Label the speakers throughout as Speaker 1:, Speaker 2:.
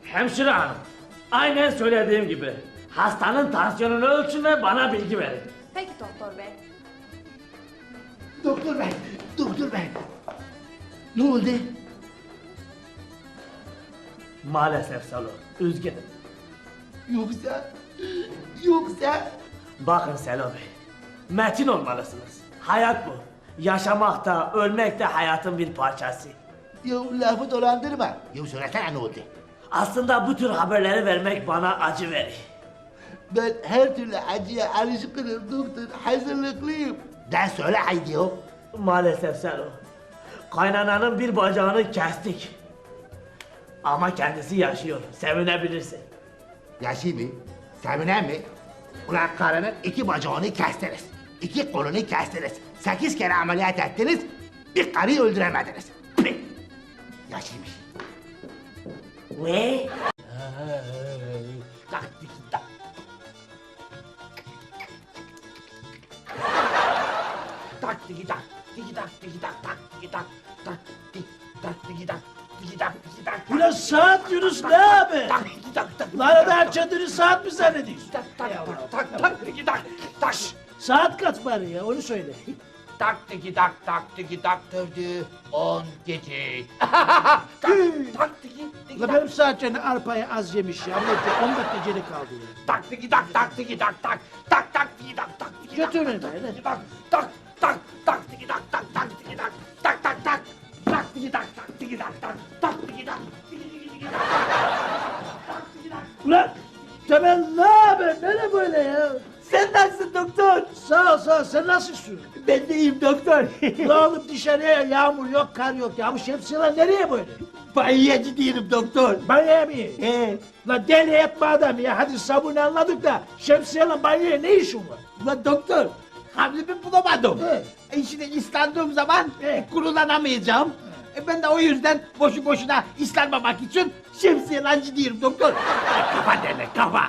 Speaker 1: Hemşire hanım, aynen söylediğim gibi hastanın tansiyonunu ölçün ve bana bilgi verin.
Speaker 2: Peki doktor bey.
Speaker 3: Doktor bey, doktor bey. Ne oldu?
Speaker 1: Maalesef Selo, üzgünüm.
Speaker 3: Yoksa...
Speaker 1: Bakın Selo Bey, metin olmalısınız. Hayat bu. Yaşamak da, ölmek de hayatın bir parçası.
Speaker 3: Ya lafı dolandırma. Ya söylesene ne oldu?
Speaker 1: Aslında bu tür haberleri vermek bana acı verir.
Speaker 3: Ben her türlü acıya alışkınım doktor, hazırlıklıyım. De söyle haydi ya.
Speaker 1: Maalesef Selo, kaynananın bir bacağını kestik. Ama kendisi yaşıyor, sevinebilirsin.
Speaker 3: Yaşı mı? Sevinen mi? Ulan karının 2 bacağını kestiniz. 2 kolunu kestiniz. 8 kere ameliyat ettiniz. Bir karıyı öldüremediniz. Pih! Yaşıymış.
Speaker 1: Ne?
Speaker 3: Tak tiki tak. Tak tiki tak. Tiki tak tiki tak tak tiki tak. Tak tik tak tiki tak. Tiki tak tiki tak.
Speaker 4: Ulan saat Yunus ne abi?
Speaker 3: Tak tiki tak tak.
Speaker 4: Lan adam kendini saat mi zannediyorsun?
Speaker 3: Tak tak tak tak tak tiki tak. Tak.
Speaker 4: Saat kaç bari ya onu söyle.
Speaker 3: Tak tiki tak tak tiki tak dördü 10 gece. Tak tiki tiki
Speaker 4: La
Speaker 3: tak.
Speaker 4: benim saatçeni arpayı az yemiş ya. Ne 10 dakika geri kaldı ya.
Speaker 3: Tak tiki tak tak tiki tak tak. Tak tak tiki tak tak tiki tak.
Speaker 4: Götürün
Speaker 3: tak,
Speaker 4: beni.
Speaker 3: tiki tak tak tak tak tiki tak tak tak tiki tak. Tak tak tak. Tak tiki tak tak tiki tak tak. Tak tiki tak. Tiki tiki tiki tak. Tak tiki tak.
Speaker 4: Ulan Temel ne haber? Nere böyle ya?
Speaker 5: Sen nasılsın doktor?
Speaker 4: Sağ ol sen nasılsın?
Speaker 5: Ben de iyiyim doktor.
Speaker 4: La oğlum dışarıya yağmur yok kar yok ya. Bu şemsiyeler nereye böyle?
Speaker 5: Banyoya gidiyorum doktor.
Speaker 4: Banyoya mı? La deli etme adam ya. Hadi sabunu anladık da şemsiyeyle banyoya ne işin var?
Speaker 5: Ulan doktor, havlumu bulamadım. Şimdi ıslandığım zaman kurulanamayacağım. Ben de o yüzden boşu boşuna ıslanmamak için şemsiyeyle gidiyorum doktor. Kafa derler kafa.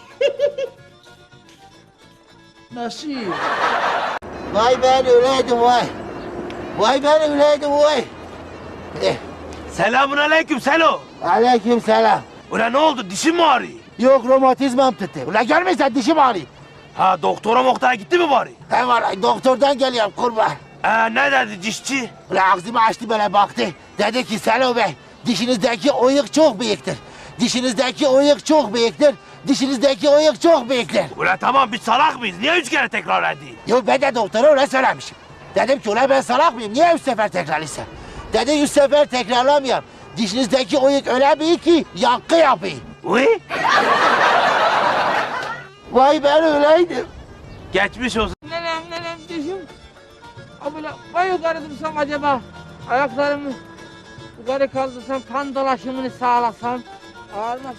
Speaker 4: Nasıl?
Speaker 3: Vay ben öyleydim vay. Vay ben öyleydim vay.
Speaker 6: Selamun aleyküm Selo.
Speaker 3: Aleyküm selam.
Speaker 6: Ulan ne oldu dişin mi ağrıyor?
Speaker 3: Yok romatizmam tuttu. Ulan görmüyorsan dişim ağrıyor.
Speaker 6: Ha doktora gitti mi bari?
Speaker 3: He var doktordan geliyorum kurban.
Speaker 6: Ne dedi dişçi?
Speaker 3: Ulan ağzımı açtı böyle baktı. Dedi ki Selo Bey dişinizdeki oyuk çok büyüktür. Dişinizdeki oyuk çok büyüktür. Dişinizdeki oyuk çok büyüktür.
Speaker 6: Ulan tamam biz salak mıyız? Niye 3 kere tekrar edeyim?
Speaker 3: Yo ben de doktora öyle söylemişim. Dedim ki ulan ben salak mıyım? Niye 3 sefer tekrarlayacağım? Dedi 3 sefer tekrarlamayayım. Dişinizdeki oyuk öyle büyük ki yankı yapıyor.
Speaker 6: Uy.
Speaker 3: Vay ben öyleydim.
Speaker 6: Geçmiş olsun.
Speaker 7: Nenem dişim. Böyle vay yukarı dursam acaba ayaklarımı yukarı kaldırsam kan dolaşımını sağlasam ağrımaz.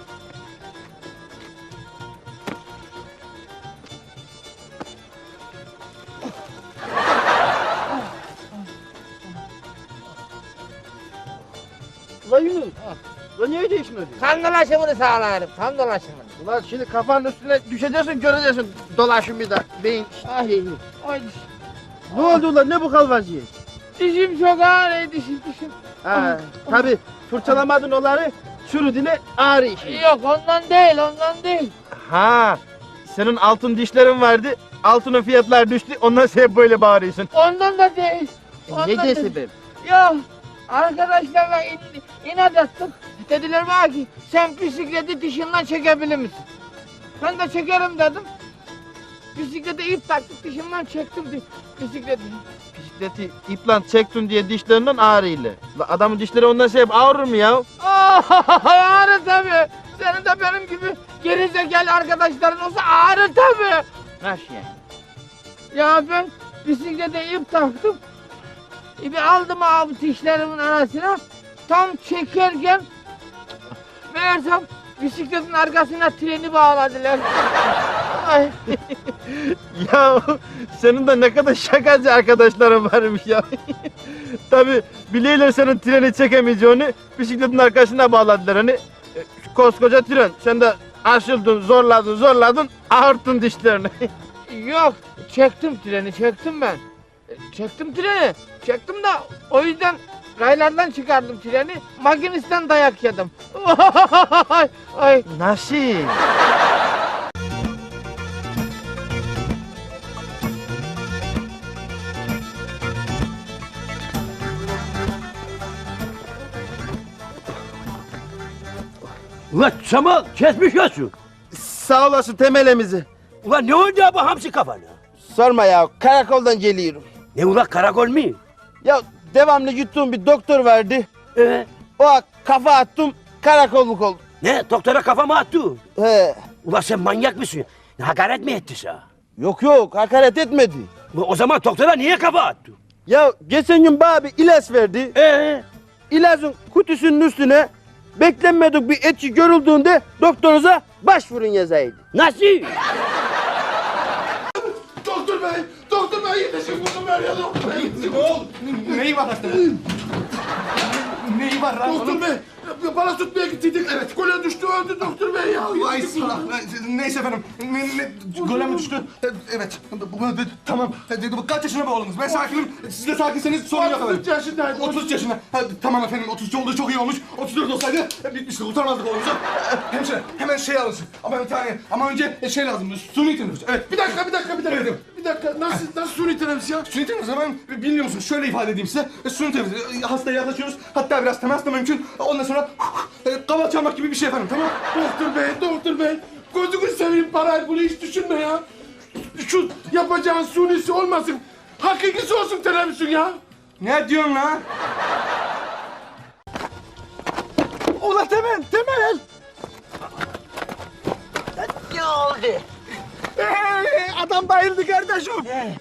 Speaker 8: Ulan Yunus, ulan niye değiştin öyle?
Speaker 7: Kan dolaşımını sağlarım, kan dolaşımını.
Speaker 8: Ulan şimdi kafanın üstüne düşeceksin, göreceksin dolaşımı da beyin. Ay,
Speaker 7: Ay
Speaker 8: ne oldu ulan, ne bu kalvaziyet?
Speaker 7: dişim çok ağrıyor dişim.
Speaker 8: Ha, tabi fırçalamadın onları, çürüdüğüne ağrı işi.
Speaker 7: Yok ondan değil.
Speaker 8: Ha, senin altın dişlerin vardı, altının fiyatlar düştü, ondan sen böyle bağırıyorsun.
Speaker 7: Ondan da değil. Ondan
Speaker 8: Ne
Speaker 7: da-
Speaker 8: de sebep?
Speaker 7: Yok arkadaşlarla inat ettik. Dediler bana ki sen bisikleti dişinden çekebilir misin? Ben de çekerim dedim. Bisiklete ip taktık dişimden çektim bisikleti.
Speaker 8: Bisikleti iplant çektin diye dişlerinden ağrıyla. Ulan adamın dişleri ondan sebep ağrır mı ya?
Speaker 7: Ağrı tabii. Senin de benim gibi gerizekalı arkadaşların olsa ağrı tabii.
Speaker 8: Nasıl yani?
Speaker 7: Ya ben bisiklete ip taktım. İpi aldım abi dişlerimin arasına. Tam çekerken meğersem bisikletin arkasına treni bağladılar. Ay.
Speaker 8: Ya senin de ne kadar şakacı arkadaşların varmış ya. Tabi biliyorlar senin treni çekemeyeceğini, bisikletin arkasına bağladılar hani. Koskoca tren, sen de aşıldın, zorladın, ağırttın dişlerini.
Speaker 7: Yok çektim treni ben. Çektim treni. Çektim de o yüzden raylardan çıkardım treni, makinistten dayak yedim. Ay.
Speaker 8: Nasıl?
Speaker 2: Ulan Samal kesmiş olsun.
Speaker 8: Sağ olasın temelimizi.
Speaker 2: Ulan ne oldu ya bu hamsi kafana?
Speaker 8: Sorma ya, karakoldan geliyorum.
Speaker 2: Ne ulan karakol mu?
Speaker 8: Ya devamlı yuttuğum bir doktor vardı. O kafa attım, karakolluk oldum.
Speaker 2: Ne doktora kafama attı?
Speaker 8: He.
Speaker 2: Ulan sen manyak mısın? Hakaret mi etti sana?
Speaker 8: Yok, hakaret etmedi.
Speaker 2: Ulan o zaman doktora niye kafa attı?
Speaker 8: Ya geçen gün bana bir ilaç verdi. İlacın kutusunun üstüne beklenmedik bir etki görüldüğünde doktorunuza başvurun yazaydı.
Speaker 2: Nasıl?
Speaker 3: Doktor bey yetişin kuzum ver ya doktor bey.
Speaker 9: Neyi var hastanın? Neyi var lan?
Speaker 3: Doktor bey bana tutmaya gittiydik. Evet gole düştü öldü doktor bey ya.
Speaker 9: Ay salak. Neyse efendim. Gole mi düştü? Evet. Tamam. Kaç yaşında bu oğlunuz? Ben sakinim. Siz de sakinseniz sorun yok efendim.
Speaker 3: 33 yaşındaydı.
Speaker 9: 33 yaşında. Tamam efendim. 33 olduğu çok iyi olmuş. 34 olsaydı bitmişti. Kurtarmazdık oğlumuzu. Hemşire hemen şey alınsın. Ama önce şey lazım. Suni teneffüs. Evet.
Speaker 3: Bir dakika. Bir dakika nasıl suni teneffüs ya?
Speaker 9: Suni teneffüs ben bilmiyor musun? Şöyle ifade edeyim size. Suni teneffüs. Hastaya yaklaşıyoruz. Hatta biraz temas da mümkün. Ondan sonra kaval çalmak gibi bir şey efendim. Tamam.
Speaker 3: Doktor bey. Gözünü seveyim parayı bunu hiç düşünme ya. Şu yapacağın sunisi olmasın. Hakikisi olsun teneffüsün ya.
Speaker 9: Ne diyorsun lan?
Speaker 8: Ula Temel!
Speaker 7: Ne oldu?
Speaker 8: Adam bayıldı kardeşim.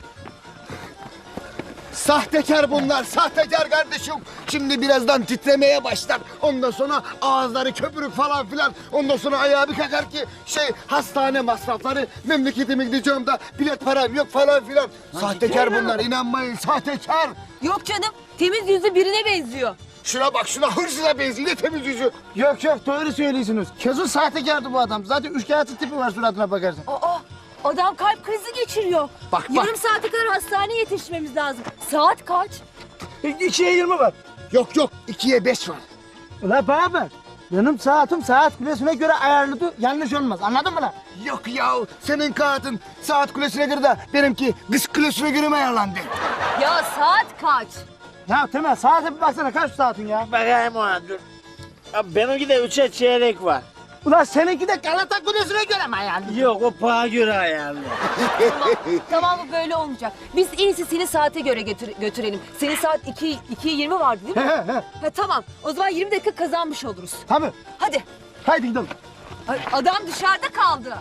Speaker 10: Sahtekar bunlar, sahtekar kardeşim. Şimdi birazdan titremeye başlar. Ondan sonra ağızları köpürük falan filan. Ondan sonra ayağı bir kakar ki hastane masrafları. Memleketime gideceğim de bilet param yok falan filan. Sahtekar bunlar, inanmayın sahtekar.
Speaker 11: Yok canım, temiz yüzlü birine benziyor.
Speaker 10: Şuna bak şuna hırsıza benziyor ne temiz yüzü.
Speaker 8: Yok doğru söylüyorsunuz. Kesin sahtekardı bu adam. Zaten üçkağıtçı tipi var suratına bakarsan.
Speaker 11: Aa, adam kalp krizi geçiriyor.
Speaker 10: Bak.
Speaker 11: Yarım saate kadar hastaneye yetişmemiz lazım. Saat kaç?
Speaker 8: 2'ye 20 var.
Speaker 10: Yok 2'ye 5 var.
Speaker 8: Ula bana bak. Benim saatim saat kulesine göre ayarlıdır. Yanlış olmaz. Anladın mı lan?
Speaker 10: Yok ya senin kağıtın saat kulesine göre de benimki kız kulesine göre mi ayarlandı?
Speaker 11: Ya saat kaç?
Speaker 8: Ya Temel saate bir baksana kaç saatin ya?
Speaker 4: Bakayım ona dur. Abi benimki de 3'e çeyrek var.
Speaker 8: Ulan seninki de Galata Kulesi'ne göre mi ayarlı?
Speaker 4: Yok o paha göre ayarlı.
Speaker 11: Tamam bu böyle olmayacak. Biz en iyisi seni saate göre götürelim. Senin saat 2'ye 20 vardı değil mi? Ha, tamam o zaman 20 dakika kazanmış oluruz.
Speaker 8: Tabii.
Speaker 11: Hadi.
Speaker 8: Haydi gidelim.
Speaker 11: Ay, adam dışarıda kaldı.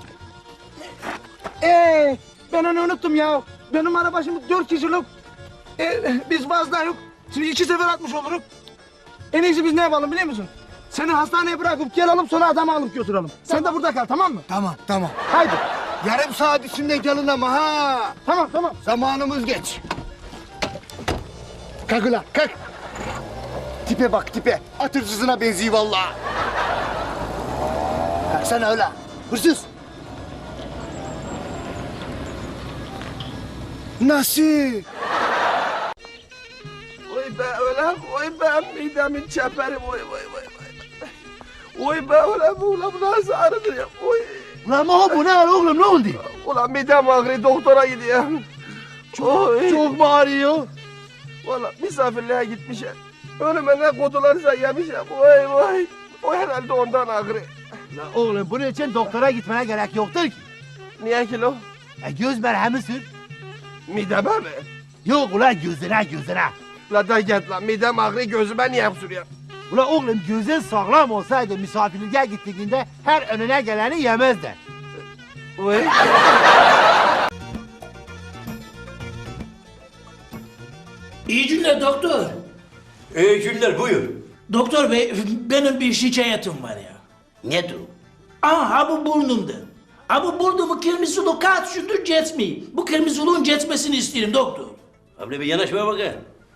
Speaker 8: Ben onu unuttum ya. Benim araba şimdi 4 kişilik. Biz fazla yok. Şimdi 2 sefer atmış oluruz. En iyisi biz ne yapalım biliyor musun? Seni hastaneye bırakıp gelelim sonra adamı alıp götürelim. Sen de burada kal tamam mı?
Speaker 10: Tamam.
Speaker 8: Haydi.
Speaker 10: Yarım saat içinde gelin ama ha.
Speaker 8: Tamam.
Speaker 10: Zamanımız geç. Kalk ulan kalk. Tipe bak tipe. At hırsızına benziyor vallahi. Kalksana öyle. Hırsız. Nasıl?
Speaker 8: Oy be öyle, oy be midemin çeperi, oy. Oy be öyle bu nasıl ağrıdır ya, oy.
Speaker 3: Ulan bu ne oğlum ne oldu?
Speaker 8: Ulan midem ağrıyor, doktora gidiyorum. Çok mu ağrıyor? Valla misafirliğe gitmişim. Önüme ne kutularsa yemişim, oy. O herhalde ondan ağrıyor.
Speaker 3: Lan oğlum bunun için doktora gitmene gerek yoktur ki.
Speaker 8: Niye ki lo?
Speaker 3: Göz merhemi sür.
Speaker 8: Mideme mi?
Speaker 3: Yok ulan gözüne.
Speaker 8: La da git lan, midem ağrıyor, gözüme niye sürüyor?
Speaker 3: Ulan oğlum gözün sağlam olsaydı misafirliğe gittiğinde her önüne geleni yemezdi.
Speaker 8: Oy.
Speaker 4: İyi günler doktor.
Speaker 2: İyi günler buyur.
Speaker 4: Doktor bey benim bir şikayetim var ya.
Speaker 2: Nedir o?
Speaker 4: Ha bu burnumda. Ha bu burnumu kırmızılı kaç gündür geçmiyor. Bu kırmızılığın geçmesini isterim doktor.
Speaker 2: Abi bir yanaşmaya bakayım.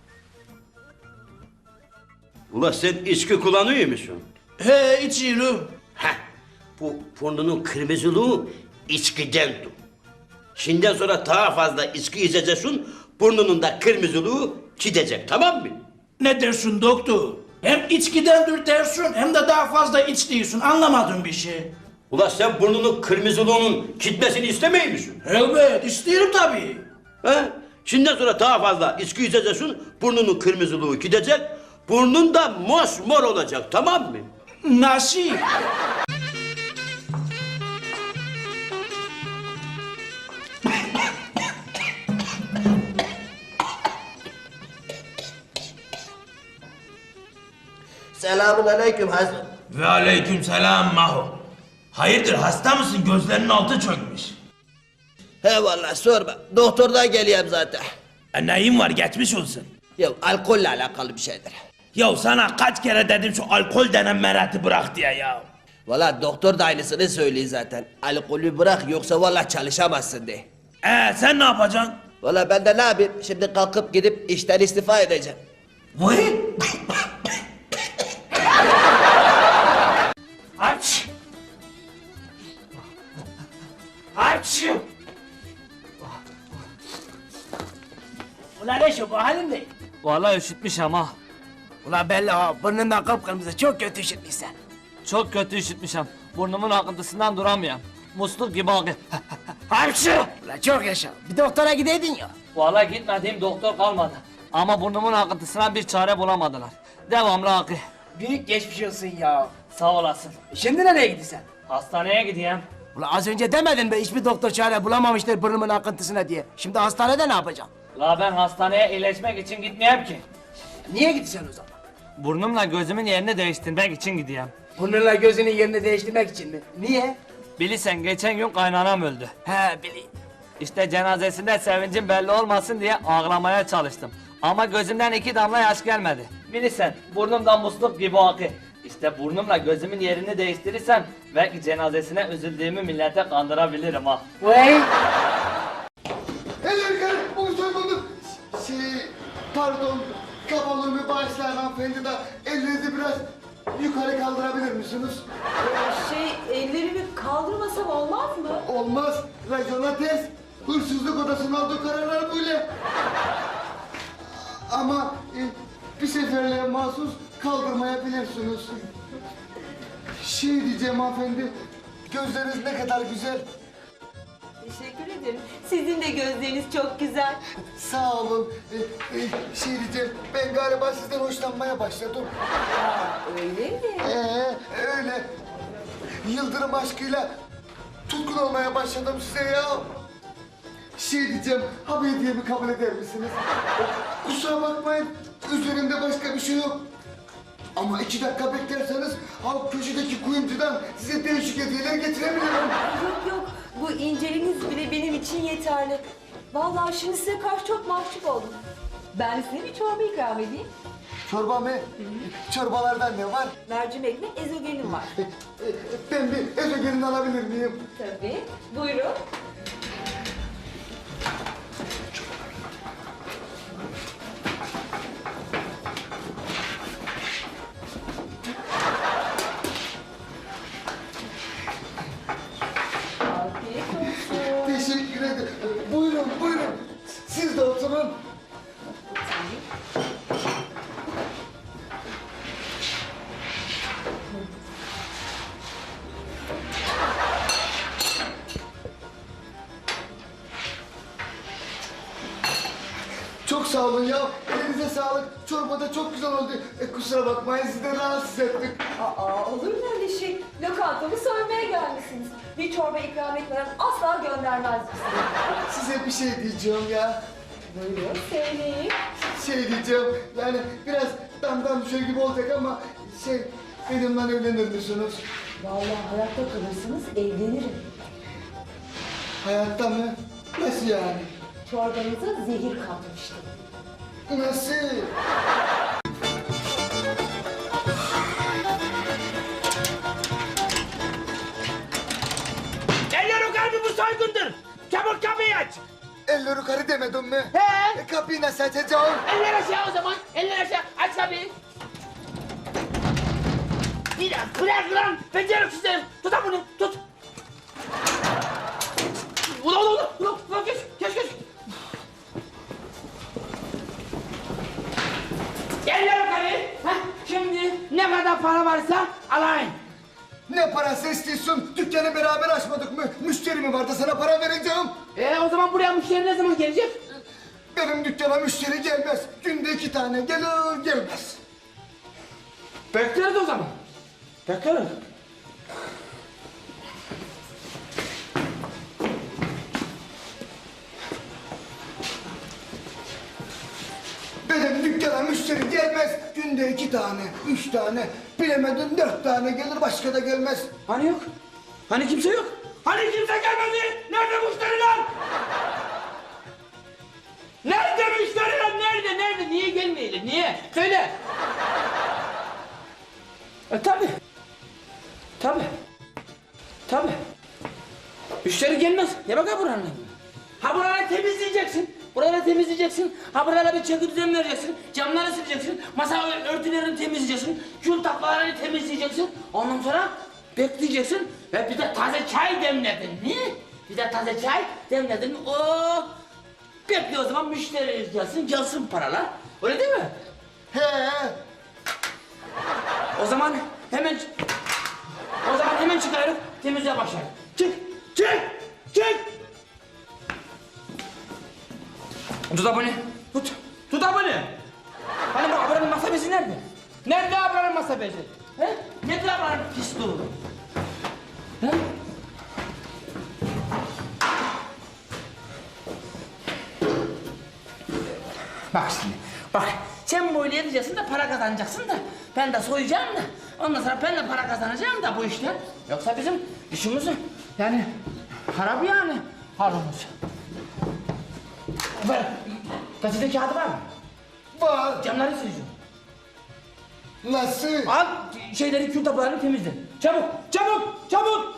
Speaker 2: Ulan sen içki kullanıyor musun?
Speaker 4: He içiyorum.
Speaker 2: Heh, bu burnunun kırmızılığı içkidendir. Şimdiden sonra daha fazla içki içeceksin, burnunun da kırmızılığı gidecek, tamam mı?
Speaker 4: Ne dersin doktor? Hem içkidendir dersin hem de daha fazla iç diyorsun. Anlamadım bir şey.
Speaker 2: Ula sen burnunun kırmızılığının gitmesini istemiyor musun?
Speaker 4: Evet isterim tabii.
Speaker 2: He? Şimdiden sonra daha fazla içki içeceksin, burnunun kırmızılığı gidecek, burnun da mosmor olacak, tamam mı?
Speaker 4: Nasıl?
Speaker 1: Selamun aleyküm Hazım.
Speaker 6: Ve aleyküm selam Maho. Hayırdır hasta mısın? Gözlerinin altı çökmüş.
Speaker 1: He vallahi sorma. Doktordan geliyorum zaten.
Speaker 6: Neyin var geçmiş olsun.
Speaker 1: Ya alkolle alakalı bir şeydir.
Speaker 6: Ya sana kaç kere dedim şu alkol denen merati bırak diye ya.
Speaker 1: Vallahi doktor da aynısını söylüyor zaten. Alkolü bırak yoksa vallahi çalışamazsın de.
Speaker 6: Sen ne yapacaksın?
Speaker 1: Vallahi ben de ne yapayım? Şimdi kalkıp gidip işten istifa edeceğim.
Speaker 6: Vay!
Speaker 4: Aç! Aç!
Speaker 1: Ulan ne şu bu halin ne?
Speaker 12: Vallahi üşütmüş ama.
Speaker 1: Ulan belli ha burnundan kıpkırmızı çok kötü üşütmüşsen.
Speaker 12: Çok kötü üşütmüşüm. Burnumun akıntısından duramıyorum. Musluk gibi akıyor.
Speaker 1: Hapşı! Ulan çok yaşa. Bir doktora gideydin ya.
Speaker 12: Vallahi gitmediğim doktor kalmadı. Ama burnumun akıntısına bir çare bulamadılar. Devamlı akıyor.
Speaker 1: Büyük geçmiş olsun ya.
Speaker 12: Sağ olasın.
Speaker 1: Şimdi nereye gidiyorsun?
Speaker 12: Hastaneye gideyim.
Speaker 1: Ulan az önce demedin mi hiçbir doktor çare bulamamıştır burnumun akıntısına diye. Şimdi hastanede ne yapacaksın?
Speaker 12: La ben hastaneye iyileşmek için gitmeyeyim ki.
Speaker 1: Niye gidiyorsun o zaman?
Speaker 12: Burnumla gözümün yerini değiştirmek için gideyim.
Speaker 1: Burnunla gözünün yerini değiştirmek için mi? Niye?
Speaker 12: Bilirsen geçen gün kaynanam öldü.
Speaker 1: He bileyim.
Speaker 12: İşte cenazesinde sevincim belli olmasın diye ağlamaya çalıştım. Ama gözümden 2 damla yaş gelmedi. Bilirsen burnumdan musluk gibi akıyor. İşte burnumla gözümün yerini değiştirirsem belki cenazesine üzüldüğümü millete kandırabilirim ha.
Speaker 1: Vay!
Speaker 10: Eller yukarı, bu soygunluk. Pardon, kabalığımı bağışlayan hanımefendi de ellerinizi biraz yukarı kaldırabilir misiniz?
Speaker 11: Ellerimi kaldırmasam olmaz mı?
Speaker 10: Olmaz, racona ters. Hırsızlık odasının aldığı kararlar böyle. Ama bir seferliğe mahsus kaldırmayabilirsiniz. Diyeceğim hanımefendi, gözleriniz ne kadar güzel.
Speaker 11: Teşekkür ederim. Sizin de gözleriniz çok güzel.
Speaker 10: Sağ olun. Diyeceğim, ben galiba sizden hoşlanmaya başladım.
Speaker 11: Öyle mi?
Speaker 10: Öyle. Yıldırım aşkıyla tutkun olmaya başladım size ya. Diyeceğim, ha hediyemi kabul eder misiniz? Kusura bakmayın, üzerimde başka bir şey yok. Ama 2 dakika beklerseniz ha köşedeki kuyumcudan size değişik hediyeler getirebilirim.
Speaker 11: Yok, bu inceliğiniz bile benim için yeterli. Vallahi şimdi size karşı çok mahcup oldum. Ben size bir çorba ikram edeyim.
Speaker 10: Çorba mı? Çorbalardan ne var?
Speaker 11: Mercimekli ezogelin var.
Speaker 10: Ben bir ezogelin alabilir miyim?
Speaker 11: Tabii, buyurun. Afiyet olsun.
Speaker 10: Teşekkür ederim. Buyurun, buyurun. Siz de oturun. Çok sağ olun ya. Elinize sağlık. Çorba da çok güzel oldu. Kusura bakmayın sizi de rahatsız ettik.
Speaker 11: Olur mu öyle şey? Lokantamı soymaya gelmişsiniz. Bir çorba ikram etmeden asla göndermez bizi.
Speaker 10: Size bir şey diyeceğim ya.
Speaker 11: Buyurun, söyleyin.
Speaker 10: Diyeceğim. Yani biraz damdan düşer gibi olacak ama benimle evlenir misiniz?
Speaker 11: Vallahi hayatta kalırsınız, evlenirim.
Speaker 10: Hayatta mı? Nasıl yani?
Speaker 11: Çorbanıza zehir katmıştım.
Speaker 10: Nasıl?
Speaker 4: Eller yukarı bu soygundur. Çabuk kapıyı aç.
Speaker 10: Eller yukarı demedim mi?
Speaker 7: He.
Speaker 10: Kapıyı nasıl açacağım?
Speaker 7: Eller aşağı o zaman. Eller aşağı. Aç tabii.
Speaker 4: Bırak lan. Beceriksiz herif. Tut bunu tut. Ulan geç.
Speaker 7: Gel yukarı. Heh, şimdi ne kadar para varsa alayım.
Speaker 10: Ne parası istiyorsun? Dükkanı beraber açmadık mı? Müşteri mi vardı sana para vereceğim?
Speaker 7: O zaman buraya müşteri ne zaman gelecek?
Speaker 10: Benim dükkana müşteri gelmez. Günde 2 tane gelir gelmez.
Speaker 7: Bekleriz o zaman. Bekleriz.
Speaker 10: Benim dükkana müşteri gelmez. Günde 2 tane, 3 tane, bilemedin 4 tane gelir başka da gelmez.
Speaker 7: Hani yok? Hani kimse yok? Hani kimse gelmedi? Nerede müşteriler? Nerede müşteriler? Nerede? Nerede? Niye gelmeyelim? Niye? Söyle. Tabii. Tabii. Tabii. Müşteri gelmez. Ne bakar buranın? Ha buraları temizleyeceksin. Buraları temizleyeceksin. Ha buralara bir çeki düzen vereceksin. Camları sileceksin. Masa örtülerini temizleyeceksin. Kül taklalarını temizleyeceksin. Ondan sonra bekleyeceksin. Ve bir de taze çay demledin mi? Bir de taze çay demledin mi? Oo! Bekle o zaman müşteri gelsin paralar. Öyle değil mi?
Speaker 10: He.
Speaker 7: O zaman hemen çıkarıp temizliğe başlayalım. Çık! Tut abone. Tut abone. Hani bu ablanın masa bezi nerede? Nerede ablanın masa bezi? He? Nedir ablanın pisliği? He? Bak şimdi, bak. Sen böyle edeceksin de para kazanacaksın da ben de soyacağım da ondan sonra ben de para kazanacağım da bu işten. Yoksa bizim işimiz yani harap yani halımız. Ver, gazete kağıdı var mı?
Speaker 10: Var.
Speaker 7: Camları sileceğim.
Speaker 10: Nasıl?
Speaker 7: Al şeyleri, kül tabaklarını temizle. Çabuk!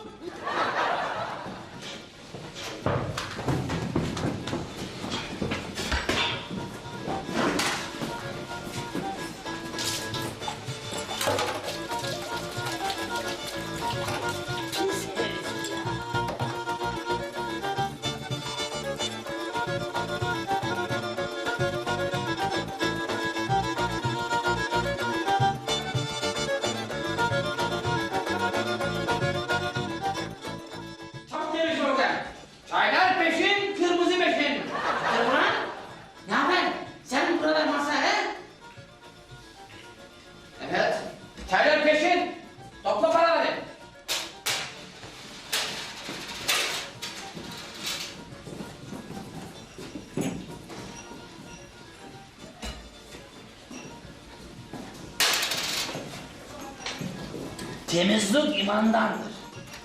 Speaker 7: Çok temiz orada. Çaylar peşin, kırmızı beşin. Kırmızı? Ne haber? Sen burada masa he? Evet. Çaylar peşin. Topla paraları. Temizlik imandandır.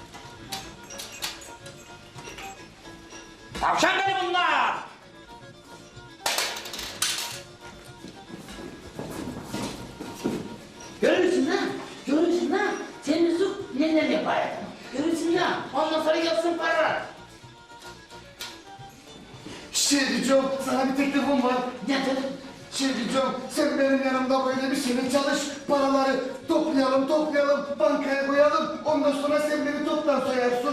Speaker 7: Tavşan beni bunlar! Görürsün ha? Temizlik neler yapar? Görürsün ha? Ondan sonra gelsin paralar.
Speaker 10: Şey diyeceğim, sana bir teklifim var.
Speaker 7: Nedir?
Speaker 10: Şey diyeceğim, sen benim yanımda böyle bir sene çalış. Paraları toplayalım, bankaya koyalım. Ondan sonra sen beni toptan soyarsın.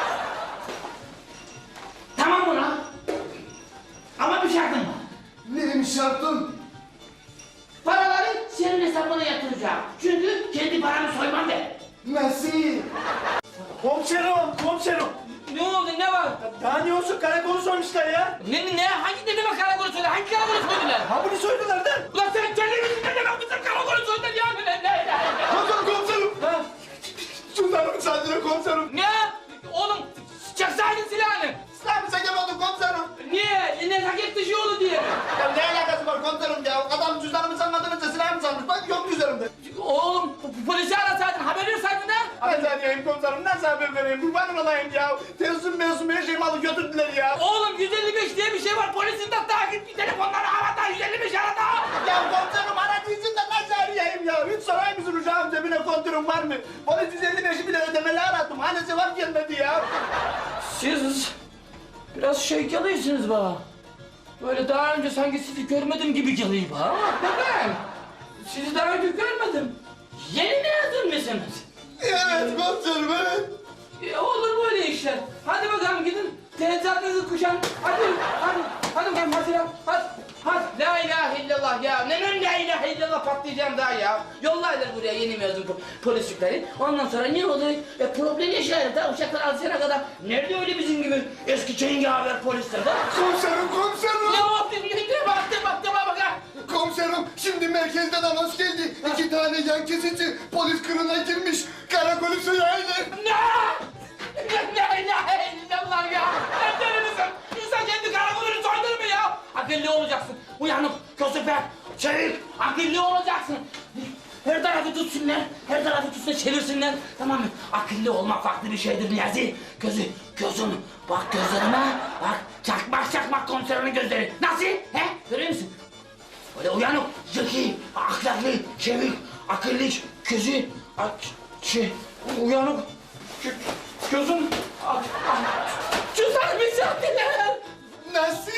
Speaker 7: Tamam ulan. Ama bir şartım var.
Speaker 10: Neymiş şartın?
Speaker 7: Paraları senin hesabına yatıracağım. Çünkü kendi paramı soymam de.
Speaker 10: Nasıl?
Speaker 8: Komiserim.
Speaker 7: Ne oldu, ne var?
Speaker 8: Daha ne olsun, karakolu soymuşlar ya.
Speaker 7: Ne? Hangi dedeme karakolu söyle? Hangi karakolu soydular?
Speaker 8: Ha bunu soydular da.
Speaker 7: Ulan sen kendin misin dedeme? Bizim karakolu soydular ya. Ne?
Speaker 10: Komiserim!
Speaker 8: Ha.
Speaker 10: Şunları müsaade komiserim.
Speaker 7: Ne? Oğlum, çaksaydın silahını.
Speaker 10: Silahımı çekemedim komiserim.
Speaker 7: Niye? Nezaket dışı oldu diye mi?
Speaker 10: Ya ne alakası var komiserim ya? Adam cüzdanımı sanmadığını da silahımı sanmış. Bak yok üzerimde.
Speaker 7: Oğlum, polisi arasaydın, haber verseydin ha?
Speaker 8: Ben zaten komiserim, nasıl haber vereyim? Kurbanım olayım ya. Tezim her şeyimi alıp götürdüler ya.
Speaker 7: Oğlum 155 diye bir şey var. Polisin de takip bir telefonları arada 155 arada.
Speaker 10: Ya komiserim aradıysan da nasıl arayayım ya? Hiç sorayım mısın uşağım cebine kontürüm var mı? Polis 155'i bile ödemeli aradım. Hani cevap gelmedi ya.
Speaker 7: Siz biraz şey geliyorsunuz bana. Böyle daha önce sanki sizi görmedim gibi geliyor bana ama ben sizi daha önce görmedim. Yeni mezun musunuz?
Speaker 10: Evet komiserim evet.
Speaker 7: Olur böyle işler. Hadi bakalım gidin. Teçhizatınızı kuşan. Hadi bakalım hadi ya. La ilahe illallah ya. Neden la ilahe illallah patlayacağım daha ya. Yollaylar buraya yeni mezun polislikleri. Ondan sonra ne oluyor? Problem yaşayalım da uşaklar alışana kadar. Nerede öyle bizim gibi eski cengaver polisler de?
Speaker 10: Komiserim, komiserim.
Speaker 7: Ne oldu? Baktım bak ha.
Speaker 10: Komiserim, şimdi merkezden anons geldi. 2 tane yan kesici polis kırına girmiş. Karakolü soyaydı.
Speaker 7: Ne? La ilahe illallah ya. Sen deli misin? İnsan kendi karakolunu soydur mu ya? Akıllı olacaksın. Uyanık, kösefer, çevik, akıllı olacaksın. Her tarafı tutsunlar, her tarafı tutsunlar, çevirsinler. Tamam mı? Akıllı olmak farklı bir şeydir Niyazi. Gözün, bak gözlerime, bak çakmak komiserinin gözleri. Nasıl? He? Görüyor musun? Böyle uyanık, zeki, ahlaklı, çevik, akıllı, uyanık, gözün, güzel misafirler.
Speaker 10: Nasıl?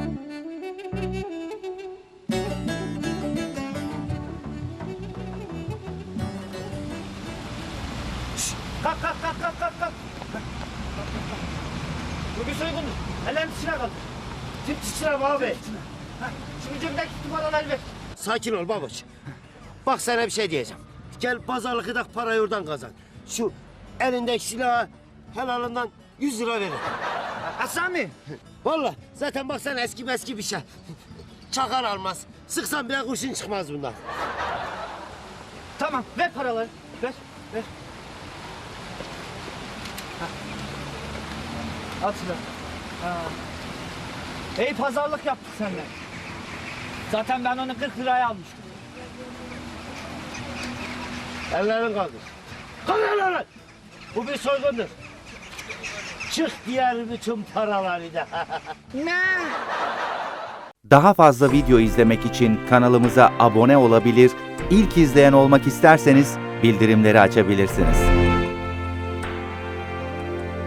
Speaker 1: Kalk. Bu bir soygundur. Ellerini dışına kaldır. Tüm dışına abi. Şimdi cebimdeki numaraları ver.
Speaker 13: Sakin ol babuş. Bak sana bir şey diyeceğim. Gel pazarlıkta parayı oradan kazan. Şu elindeki silahı helalından 100 lira verin.
Speaker 1: Aslan mı?
Speaker 13: Vallahi zaten baksana eski bir şey. Çakar almaz. Sıksan bile kurşun çıkmaz bundan.
Speaker 1: Tamam, ver paraları. Ver. Al silahı. İyi pazarlık yaptık seninle. Zaten ben onu 40 liraya almıştım.
Speaker 13: Ellerini kaldır. Kaldır ellerini. Bu bir soygundur. Çık diğer bütün paraları da.
Speaker 14: Daha fazla video izlemek için kanalımıza abone olabilir, ilk izleyen olmak isterseniz bildirimleri açabilirsiniz.